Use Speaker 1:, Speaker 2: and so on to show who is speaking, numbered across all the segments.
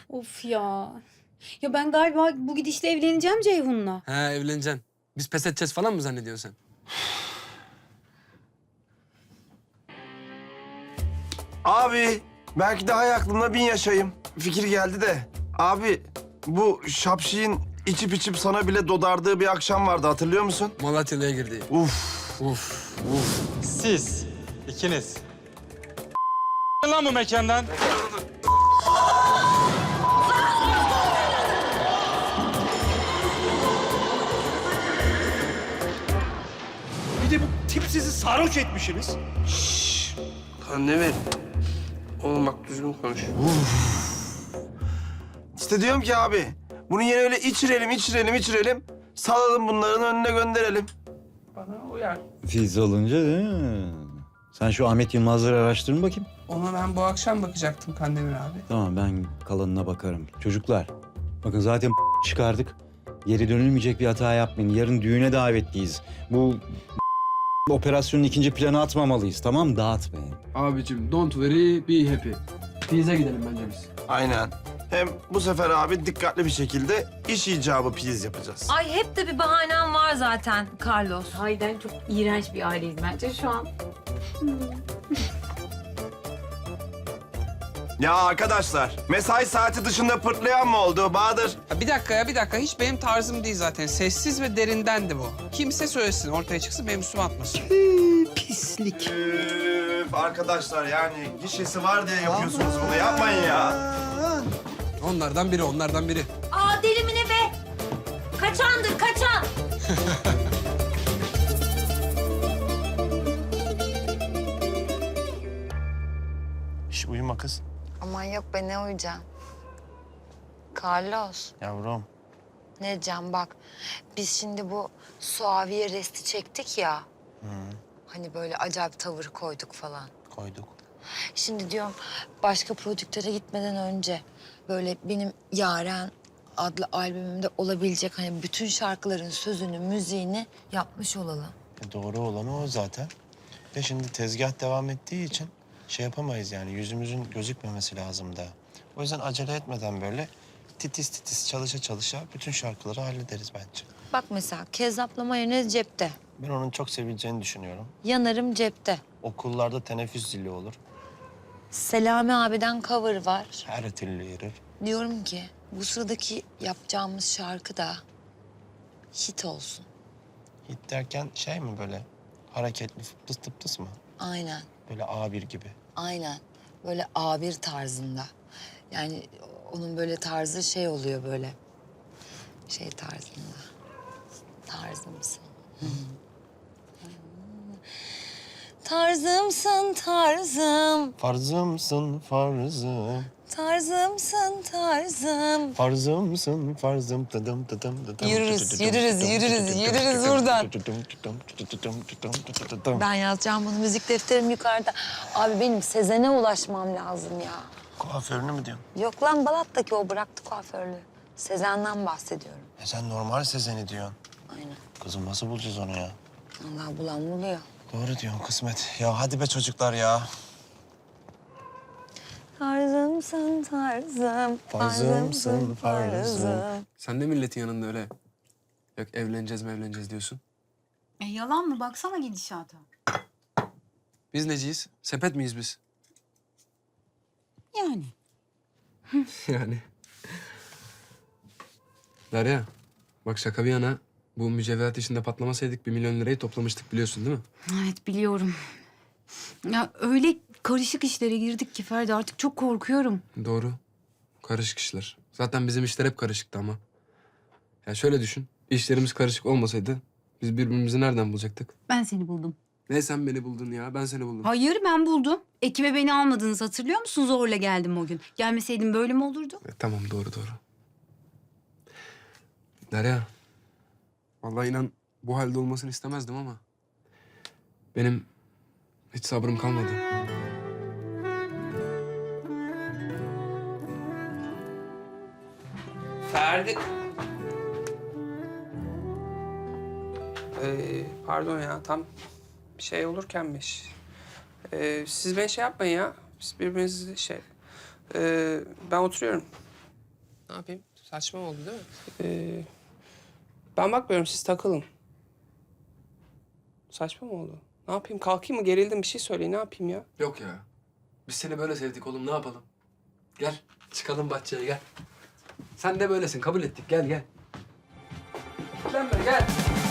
Speaker 1: Of ya. Ya ben galiba bu gidişle evleneceğim Ceyhun'la.
Speaker 2: He evleneceksin. Biz pes edeceğiz falan mı zannediyorsun sen?
Speaker 3: Abi belki daha iyi aklımda 1000 yaşayayım. Fikir geldi de. Abi bu şapşiğin içip sana bile dodardığı bir akşam vardı, hatırlıyor musun?
Speaker 2: Malatyalı'ya girdi.
Speaker 3: Uf.
Speaker 2: Uf.
Speaker 4: Siz ikiniz. Lan bu mekandan.
Speaker 5: Bir de bu tip sizi sarhoş etmişsiniz.
Speaker 3: Ne ver? Oğlum bak düzgün konuş. İşte diyorum ki abi, bunu yine öyle içirelim. Salalım bunların önüne gönderelim.
Speaker 6: Siz olunca değil mi? Sen şu Ahmet Yılmaz'ları araştırın bakayım.
Speaker 7: Ona ben bu akşam bakacaktım Kandemir abi.
Speaker 6: Tamam, ben kalanına bakarım. Çocuklar, bakın zaten çıkardık. Geri dönülmeyecek bir hata yapmayın. Yarın düğüne davetliyiz. Bu operasyonun ikinci planı atmamalıyız, tamam mı? Dağıtmayın.
Speaker 2: Abicim don't worry be happy. Pize gidelim bence biz.
Speaker 3: Aynen. Hem bu sefer abi dikkatli bir şekilde iş icabı piyiz yapacağız.
Speaker 8: Ay hep de bir bahanem var zaten Carlos.
Speaker 1: Hayden çok iğrenç bir aileyiz bence şu an.
Speaker 3: Ya arkadaşlar, mesai saati dışında pırtlayan mı oldu Bahadır?
Speaker 7: Ya bir dakika ya bir dakika. Hiç benim tarzım değil zaten. Sessiz ve derindendi bu. Kimse söylesin ortaya çıksın benim üstüme atmasın.
Speaker 5: Pislik.
Speaker 3: Üf, arkadaşlar yani gişesi var diye yapıyorsunuz bunu, yapmayın ya.
Speaker 2: Onlardan biri.
Speaker 8: Aa deli mi ne be? Kaçandır kaçan.
Speaker 9: Şş, uyuma kız.
Speaker 8: Aman yok be ne uyuyacağım. Carlos
Speaker 9: Yavrum.
Speaker 8: ne diyeceğim bak. Biz şimdi bu Suaviye resti çektik ya. Hani böyle acayip tavır koyduk falan.
Speaker 9: Koyduk.
Speaker 8: Şimdi diyorum başka prodüktöre gitmeden önce böyle benim Yaren adlı albümümde olabilecek hani bütün şarkıların sözünü, müziğini yapmış olalım.
Speaker 9: Doğru olanı o zaten. Ve şimdi tezgah devam ettiği için şey yapamayız yani. Yüzümüzün gözükmemesi lazım da. O yüzden acele etmeden böyle titiz çalışa bütün şarkıları hallederiz bence.
Speaker 8: Bak mesela Kezzap'la mayonez cepte.
Speaker 9: Ben onun çok sevileceğini düşünüyorum.
Speaker 8: Yanarım cepte.
Speaker 9: Okullarda teneffüs zili olur.
Speaker 8: Selami abiden cover var.
Speaker 9: Her türlü yürür.
Speaker 8: Diyorum ki bu sıradaki yapacağımız şarkı da hit olsun.
Speaker 9: Hit derken şey mi böyle hareketli tıs mı?
Speaker 8: Aynen,
Speaker 9: Böyle A1 gibi.
Speaker 8: aynen. Böyle A1 tarzında. Yani onun böyle tarzı şey oluyor böyle. Şey tarzında. Tarzımsın. Tarzımsın tarzım.
Speaker 9: Farzımsın farzım.
Speaker 8: Tarzımsın tarzım.
Speaker 9: Farzımsın farzım tıdım tıdım tıdım.
Speaker 8: Yürürüz buradan. Ben yazacağım bunu, müzik defterim yukarıda. Abi benim Sezen'e ulaşmam lazım ya.
Speaker 9: Kuaförünü mü diyorsun?
Speaker 8: Yok lan Balat'taki o bıraktı kuaförlüğü. Sezen'den bahsediyorum.
Speaker 9: Sen normal Sezen'i diyorsun.
Speaker 8: Aynen.
Speaker 9: Kızım nasıl bulacağız onu ya?
Speaker 8: Allah bulan buluyor.
Speaker 9: Doğru diyorsun kısmet. Ya hadi be çocuklar ya.
Speaker 8: Tarzımsın tarzım.
Speaker 9: Farzımsın farzım.
Speaker 2: Sen de milletin yanında öyle. Yok evleneceğiz diyorsun.
Speaker 1: Yalan mı? Baksana gidişata.
Speaker 2: Biz neciyiz? Sepet miyiz biz?
Speaker 1: Yani.
Speaker 2: Yani. Derya, bak şaka bir yana. Bu mücevherat işinde patlamasaydık 1 milyon lirayı toplamıştık biliyorsun değil mi?
Speaker 1: Evet biliyorum. Ya öyle karışık işlere girdik ki Ferdi artık çok korkuyorum.
Speaker 2: Doğru. Karışık işler. Zaten bizim işler hep karışıktı ama. Ya şöyle düşün. İşlerimiz karışık olmasaydı biz birbirimizi nereden bulacaktık?
Speaker 1: Ben seni buldum.
Speaker 2: Ne sen beni buldun ya? Ben seni buldum.
Speaker 1: Hayır ben buldum. Ekibe beni almadınız hatırlıyor musun? Zorla geldim o gün. Gelmeseydim böyle mi olurdu?
Speaker 2: Tamam doğru. Derya. Vallahi inan bu halde olmasını istemezdim ama benim hiç sabrım kalmadı.
Speaker 7: Ferdi. Pardon ya tam şey olurkenmiş. Siz beni şey yapmayın ya. Siz birbirinizi şey... ben oturuyorum. Ne yapayım? Saçma oldu değil mi? Ben bakmıyorum, siz takılın. Saçma mı oldu? Ne yapayım? Kalkayım mı? Gerildim, bir şey söyleyin. Ne yapayım ya?
Speaker 2: Yok ya. Biz seni böyle sevdik oğlum, ne yapalım? Gel, çıkalım bahçeye gel. Sen de böylesin, kabul ettik. Gel, gel. Gel be, gel.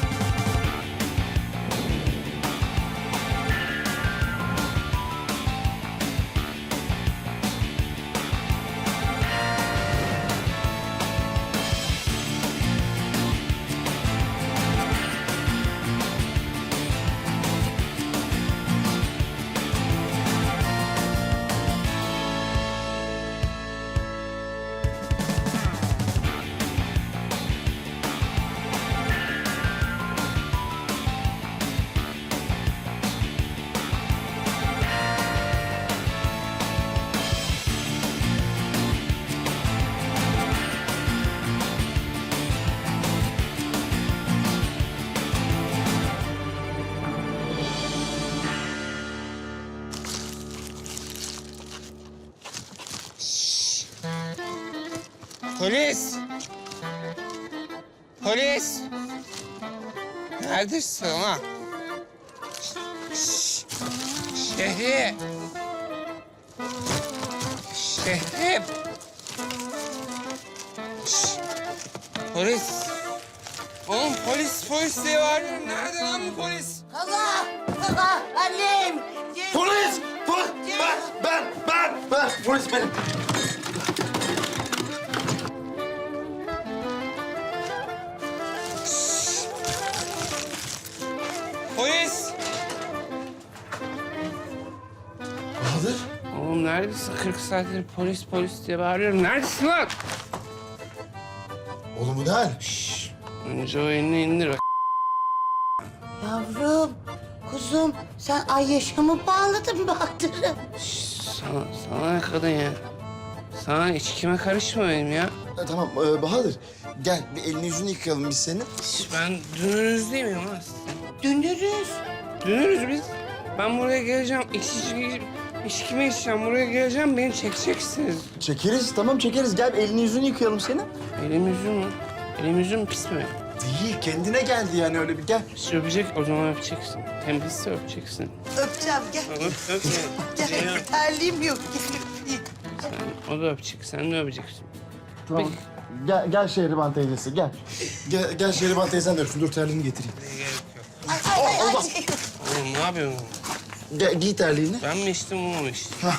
Speaker 7: Polis! Polis! Neredesin lan? Şehri! Şehri! Polis! Oğlum polis diye bağırıyorum. Nerede lan bu polis?
Speaker 3: Polis! Polis! Ben! Polis benim.
Speaker 7: Polis!
Speaker 3: Bahadır.
Speaker 7: Oğlum neredesin? 40 saattir polis diye bağırıyorum. Neredesin lan?
Speaker 3: Oğlum bu ne hal?
Speaker 7: Önce o elini indir bak.
Speaker 10: Yavrum, kuzum sen ay yaşamı bağladın Bahadır'ı.
Speaker 7: Sana ne kadın ya? Sana içkime karışma benim ya.
Speaker 3: Tamam Bahadır. Gel bir elini yüzünü yıkayalım biz senin.
Speaker 7: Ben dünürüz değil miyim lan?
Speaker 10: Dönürüz.
Speaker 7: Dünürüz biz. Ben buraya geleceğim. İçkime içeceğim. Buraya geleceğim. Beni çekeceksiniz.
Speaker 3: Çekeriz tamam çekeriz. Gel elini yüzünü yıkayalım senin.
Speaker 7: Elim yüzüm mü? Elim yüzüm pis mi?
Speaker 3: Değil kendine geldi yani öyle bir gel.
Speaker 7: Pis öpecek, o zaman öpeceksin. Temizse öpeceksin.
Speaker 10: Öpeceğim gel.
Speaker 7: Öp.
Speaker 10: Gel terliğim yok.
Speaker 7: O da öpecek, sen de öpeceksin.
Speaker 3: Tamam. Gel Şehriban teyzesi gel. Gel Şehriban teyzen de öpsün. Dur terliğini getireyim.
Speaker 10: Ay.
Speaker 7: Oğlum ne yapıyorsun?
Speaker 3: Gel giy terliğini.
Speaker 7: Ben mi içtim, o mu içti?
Speaker 3: Hah.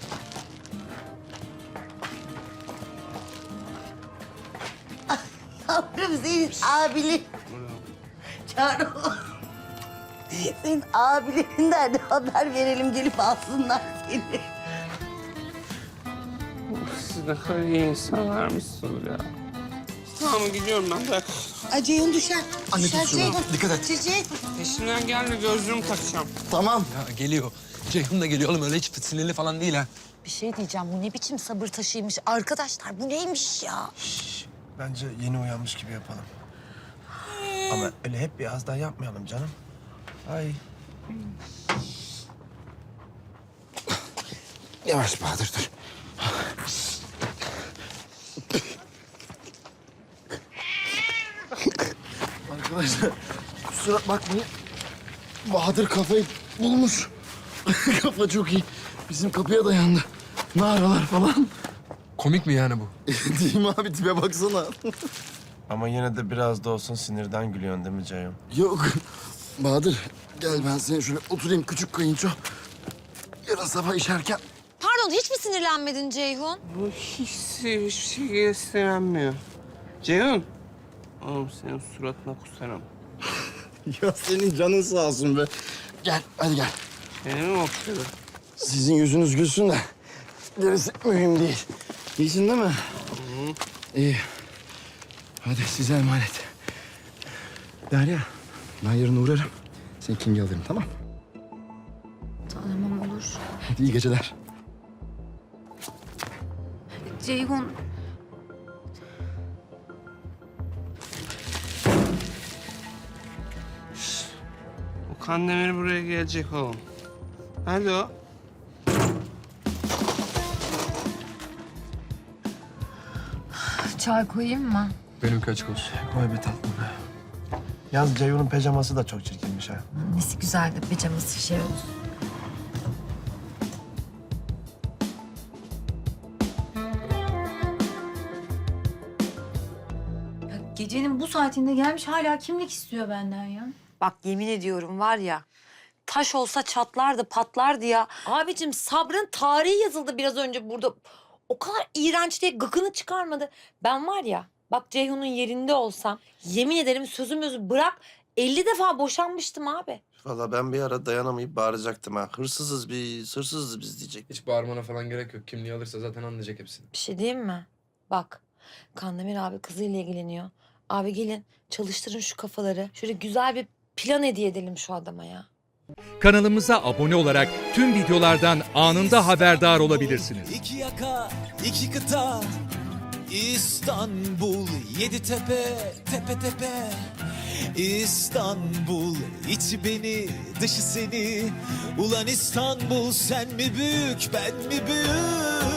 Speaker 10: Yavrum senin abilerin. Çağrı. Senin abilerinden de haber verelim gelip alsınlar seni.
Speaker 7: Siz ne kadar iyi insanlarmışsınız ya. Tamam gidiyorum ben, bırak.
Speaker 10: Ay Ceyhun düşer.
Speaker 3: Anne
Speaker 10: Düşer
Speaker 3: tut şunu.
Speaker 10: Ceyhun.
Speaker 3: Dikkat et.
Speaker 10: Ceyhun.
Speaker 7: Peşimden gelme, gözlüğümü takacağım.
Speaker 3: Tamam.
Speaker 2: Ya geliyor. Ceyhun da geliyor oğlum, öyle hiç sinirli falan değil ha.
Speaker 8: Bir şey diyeceğim. Bu ne biçim sabır taşıymış? Arkadaşlar bu neymiş ya?
Speaker 3: Bence yeni uyanmış gibi yapalım. Ama öyle hep bir az daha yapmayalım canım. Ay. Yavaş Bahadır dur. Arkadaşlar kusura bakmayın. Bahadır kafayı bulmuş. Kafa çok iyi. Bizim kapıya dayandı. Naralar falan.
Speaker 2: Komik mi yani bu?
Speaker 3: Değil mi abi? Tipe baksana. Ama yine de biraz da olsun sinirden gülüyorsun değil mi Ceyhun? Yok. Bahadır gel ben seni şöyle oturayım küçük kayınço. Yarın sabah işerken.
Speaker 8: Pardon hiç mi sinirlenmedin Ceyhun?
Speaker 7: Bu hiçbir şey istenmiyor. Ceyhun. Oğlum senin suratına kusarım.
Speaker 3: Ya senin canın sağ olsun be. Gel hadi gel.
Speaker 7: Seni mi okşadı?
Speaker 3: Sizin yüzünüz gülsün de gerisi mühim değil. İyisin değil mi? İyi. Hadi size emanet. Derya, ben yarın uğrarım. Seni kimliği alırım, tamam?
Speaker 1: Tamam olur.
Speaker 3: Hadi iyi geceler.
Speaker 1: Ceyhun
Speaker 7: O Kandemir buraya gelecek oğlum. Nerede o?
Speaker 8: çay koyayım mı?
Speaker 2: Benimki açık olsun.
Speaker 9: Koy bir tatlım. Yalnız Ceyhun'un pijaması da çok çirkinmiş ha.
Speaker 8: Nesi güzel de pijaması şey olsun.
Speaker 1: Ya gecenin bu saatinde gelmiş hala kimlik istiyor benden ya.
Speaker 8: Bak yemin ediyorum var ya, taş olsa çatlardı patlardı ya. Abicim sabrın tarihi yazıldı biraz önce burada. O kadar iğrenç diye gıkını çıkarmadı. Ben var ya, bak Ceyhun'un yerinde olsam yemin ederim sözümüzü bırak 50 defa boşanmıştım abi.
Speaker 9: Vallahi ben bir ara dayanamayıp bağıracaktım ha. Hırsızız biz, hırsızız biz diyecek.
Speaker 2: Hiç bağırmana falan gerek yok. Kimliği alırsa zaten anlayacak hepsini.
Speaker 8: Bir şey diyeyim mi? Bak Kandemir abi kızıyla ilgileniyor. Abi gelin çalıştırın şu kafaları. Şöyle güzel bir plan hediye edelim şu adama ya.
Speaker 5: Kanalımıza abone olarak tüm videolardan anında haberdar olabilirsiniz.
Speaker 11: İki yaka, iki kıta, İstanbul, yedi tepe, tepe tepe. İstanbul, içi beni, dışı seni. Ulan İstanbul, sen mi büyük, ben mi büyük?